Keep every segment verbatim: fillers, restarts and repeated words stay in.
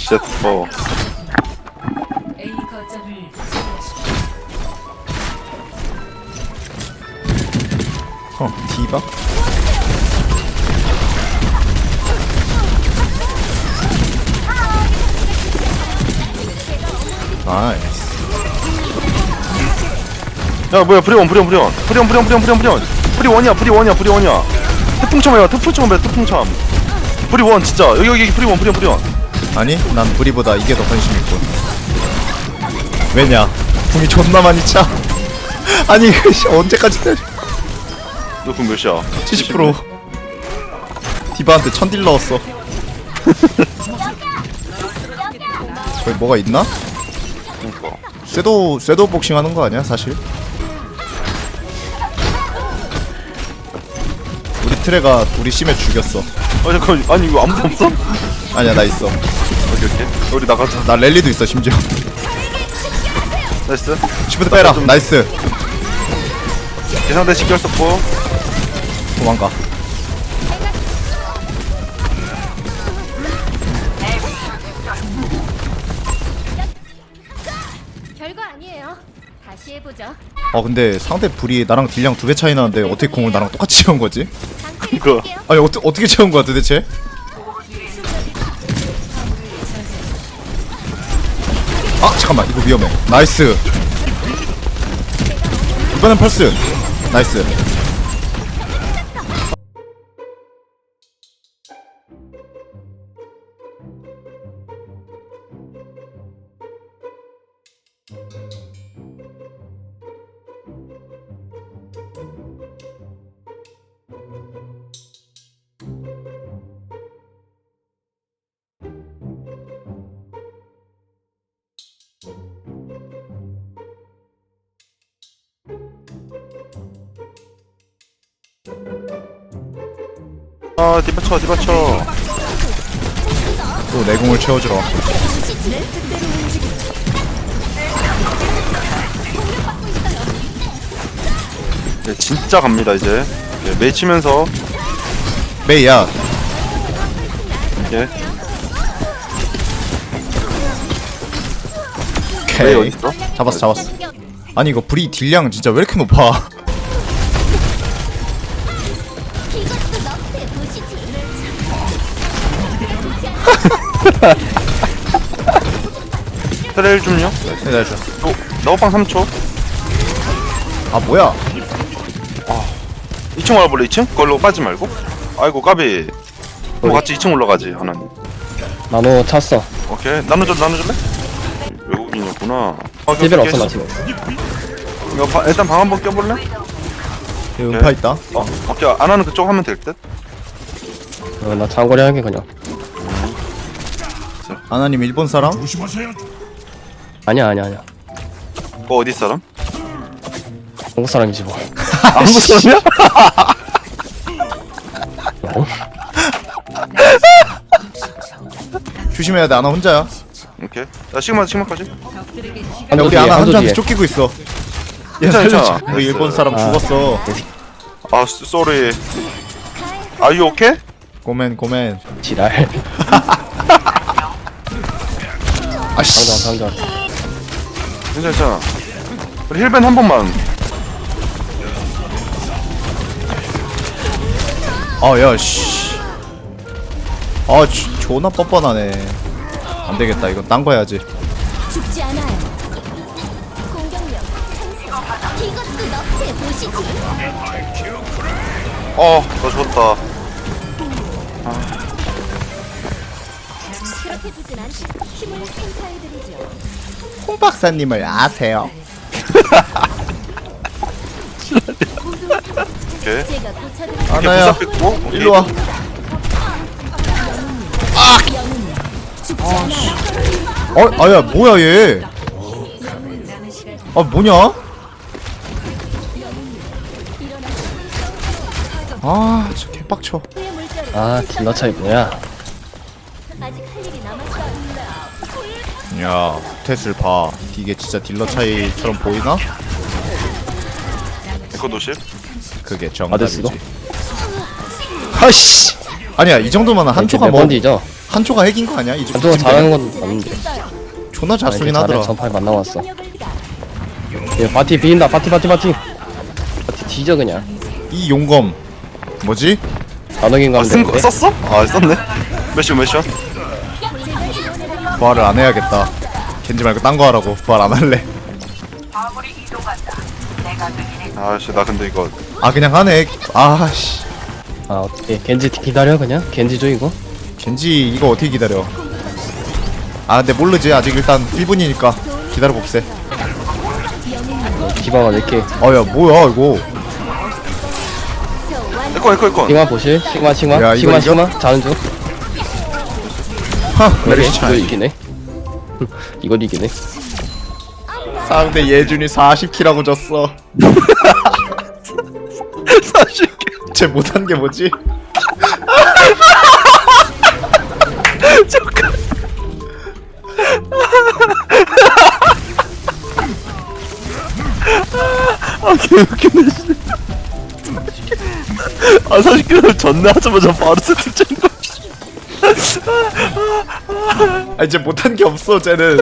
진짜 더. A 거점을 어, 디바? 나이스. 야 뭐야 브리원 브리원 브리원 브리원 브리원 브리원 브리원 브리원 브리원이야 브리원이야 브리원이야. 태풍참이야 태풍참 해 태풍참. 브리원 진짜 여기 여기 브리원 브리원 브리원. 아니, 난 브리보다 이게 더 관심 있고. 왜냐? 궁이 존나 많이 차. 아니, 이거 씨, 언제까지 때려? 너그 몇이야? 칠십 퍼센트. 디바한테 천딜 넣었어. 저기 뭐가 있나? 그니까. 쇠도 쇠도 복싱 하는 거 아니야, 사실? 우리 트레가 우리 심해 죽였어. 아 잠깐 아니 이거 아무도 없어? 아니야, 나 있어. 오케이 오케이. 우리 나가자. 나 랠리도 있어, 심지어. 나이스. 시프트 빼라. 나이스. 예상대 직결 썼고. 도망가. 별거 아니에요. 다시 해보죠. 어, 근데 상대 불이 나랑 딜량 두 배 차이 나는데 어떻게 공을 나랑 똑같이 채운 거지? 그거. 아니, 어떠, 어떻게 채운 거야 도대체? 아, 잠깐만, 이거 위험해. 나이스. 이번엔 펄스. 나이스. 아 디바쳐 디바쳐. 또 내 공을 채워주러. 네 진짜 갑니다 이제. 네, 메이 치면서. 메이야. 예. 메이 오케이. 어딨어? 잡았어, 잡았어. 아니, 이거 불이 딜량 진짜 왜 이렇게 높아? 이것도 너프에 보시지. 트레일 좀요. 기다려줘. 또 나호빵 삼 초. 아, 뭐야? 이 층 올라볼래 이 층? 그걸로 빠지 말고. 아이고 까비. 뭐 같이 이 층 올라가지 하나님. 나노 찼어. 오케이 나눠줄 나눠줄래? 외국인이었구나. 아, 티비는 오케이, 없어 나 오케이. 지금. 이거 바, 일단 방 한번 껴볼래? 여기 음파 있다. 어 오케이 안 하는 그쪽 하면 될 듯. 어, 나 장거리 하게 그냥. 아나님 일본 사람? 아니야 아니야 아니야. 그거 어디 사람? 한국 사람이지 뭐. 한국 사람이야? 어? 조심해야 돼. 아나 혼자야. 오케이. 야 시그마 시그마까지. 적들에게 시간 야, 한조 우리 뒤에 아나 한조 한조한테 뒤에. 쫓기고 있어. 얘 괜찮아, 살려줘. 괜찮아. 우리 일본 사람 아. 죽었어. 아 쏘리. Are you okay? 고멘 고멘. 지랄. 아씨. 상장 상장. 괜찮아 괜찮아. 우리 힐밴 한 번만. 아, 야, 씨. 아, 지, 존나 뻔뻔하네. 안 되겠다. 이건 딴 거 해야지. 죽지 않아요. 공격력 상승. 이것도 너프에 보시지. 어너 좋다. 그렇게 두진 않지. 힘을 선사해드리죠. 홍 박사님을 아세요? 오케이. 제가 고쳐드릴 아나야, 부사 뺐고, 오케이. 일로 와. 어, 아야, 뭐야 얘? 아, 뭐냐? 아, 저 개빡쳐. 후의 물결을 아 딜러 차이 뭐야? 아직 할 일이 남았어요. 야, 스탯을 봐. 이게 진짜 딜러 차이처럼 보이나? 에코 도시. 그게 받을 수도? 정답이지. 아씨. 아니야, 이 정도면 한 초가 몇 뭐 번지죠? 한조가 핵인 거 아니야? 이제 한조가 잘하는 건 맞는데. 존나 잘 쏘긴 잘해. 하더라. 전파에 만 나왔어. 얘 바티 비인다. 바티 바티 바티. 바티 뒤져 그냥. 이 용검 뭐지? 나노긴 아, 가면 쓴 거, 되는데. 썼어? 아 썼네. 몇시몇 시야? 부활을 안 해야겠다. 겐지 말고 딴 거 하라고. 부활 안 할래. 아씨 나 근데 이거 아 그냥 하네. 아씨. 아 어떻게 겐지 기다려 그냥? 겐지 줘 이거? 겐지 이거 어떻게 기다려? 아 근데 모르지. 아직 일단 일 분이니까 기다려 봅세. 디바가 몇 개? 어야 뭐야 이거? 에코 에코 에코. 시그마 보실? 시그마 시그마 야, 이거 시그마 이겨? 시그마 자는 중. 하 그러게, 메리시 이거 차이. 이기네. 이걸 이기네. 상대 예준이 사십 킬하고 졌어. 사실 쟤 못한 게 뭐지? 잠깐. 아 개웃기네. 씨. 아 사십 킬로 전내 하자마자 바로 세트 짠 거. 아 이제 못한 게 없어 쟤는.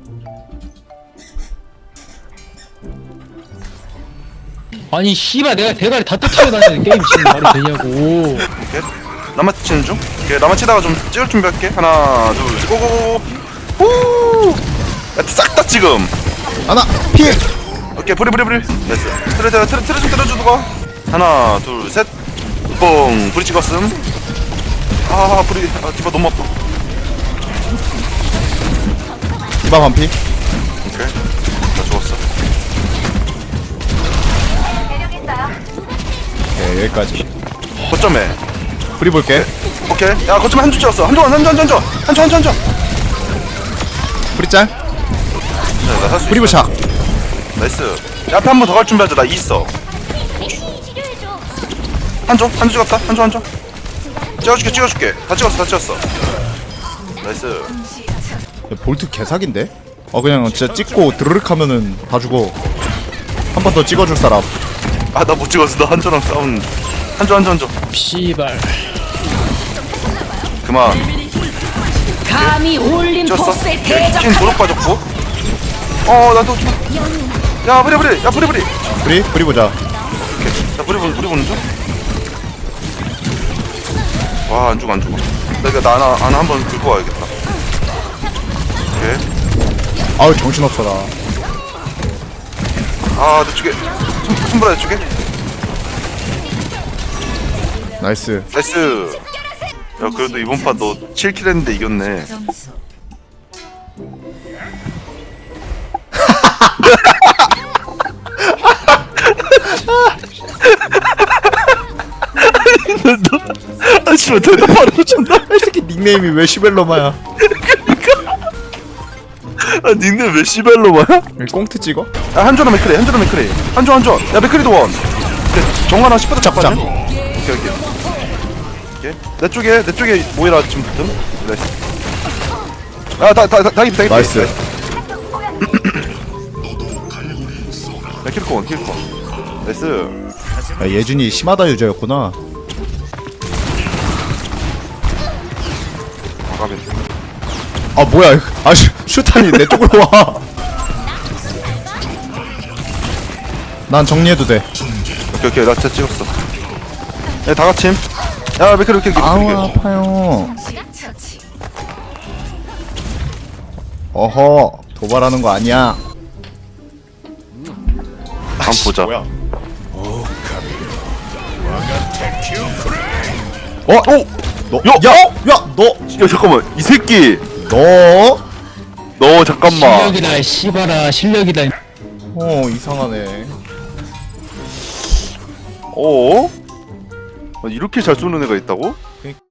아니 씨발 내가 대가리 다 터치려 다니는 게임 지금 말이 되냐고. 오케이. 나만 치는 중. 오케이 나만 치다가 좀 찍을 준비할게. 하나 둘 셋, 고고고. 후. 싹다 지금. 하나 필. 오케이 브리 브리 브리. 됐어. 트레 트레 트레 트레 좀 때려주고. 하나 둘 셋. 뽕. 브리 찍었음. 아 브리. 아 디바 너무 아파. 디바 반피. 오케이. 나 죽었어. 오케이 여기까지. 거점에. 프리 볼게. 오케이. 야 거점에 한 줄 찍었어. 한줄 한줄 한줄 한줄 한줄 한줄 한줄. 프리 짤. 네, 나살수 있어. 프리 부착. 나이스. 야, 앞에 한 번 더 갈 준비하자. 나 이 있어. 치료해줘. 한조 한조 찍었다. 한조 한조. 찍어줄게 찍어줄게. 다 찍었어 다 찍었어. 나이스. 야, 볼트 개사기인데? 어 그냥 진짜 찍고 드르륵 하면은 다 죽어. 한 번 더 찍어줄 사람. 아 나 못 찍었어. 나 한조랑 싸운. 한조 한조 한조. 씨발. 그만. 감히 찍었어. 올림포스에 찐 도둑 빠졌고. 어 나도 좀. 야 브리 브리. 야 브리 브리. 프리? 프리 보자. 오케이. 야 브리 보는 브리 보는 중. 와안 죽어 안 죽어. 나 이거 나 하나 하나 한번 들고 와야겠다. 오케이. 아우 정신없어 나. 아내 쪽에 손 손보라 내 쪽에. 나이스. 나이스. 야 그래도 이번 판 너 칠 킬 했는데 이겼네. 점수 아 씨발 대답하는 존나. 이 새끼 닉네임이 왜 시벨로마야? 아 닉네임 왜 시벨로마야? 꽁트 찍어? 아 한조랑 맥크리 한조랑 맥크리 한조 한조. 야 맥크리도 원. 오케이 정하나 십 퍼센트 잡자. 잡자. 오케이 오케이. 오케이. 내 쪽에 내 쪽에 모이라 지금 붙음. 나이스. 아다다다 다기 다기. 나이스. 야 킬코 원 킬코. 나이스. 야, 예준이 심하다 유저였구나. 가비. 아 뭐야? 아 슈, 슈탄이 내 쪽으로 와. 난 정리해도 돼. 오케이 오케이 나 진짜 찍었어. 야다 같이. 야 맥크리 맥크리 아우 맥크리. 아파요. 처치. 어허 도발하는 거 아니야. 한번 보자. 어? 오! 너, 야! 야! 야! 너! 야 잠깐만 이 새끼. 너? 너 잠깐만. 실력이다 씨발아 실력이다. 어 이상하네. 어? 아, 이렇게 잘 쏘는 애가 있다고?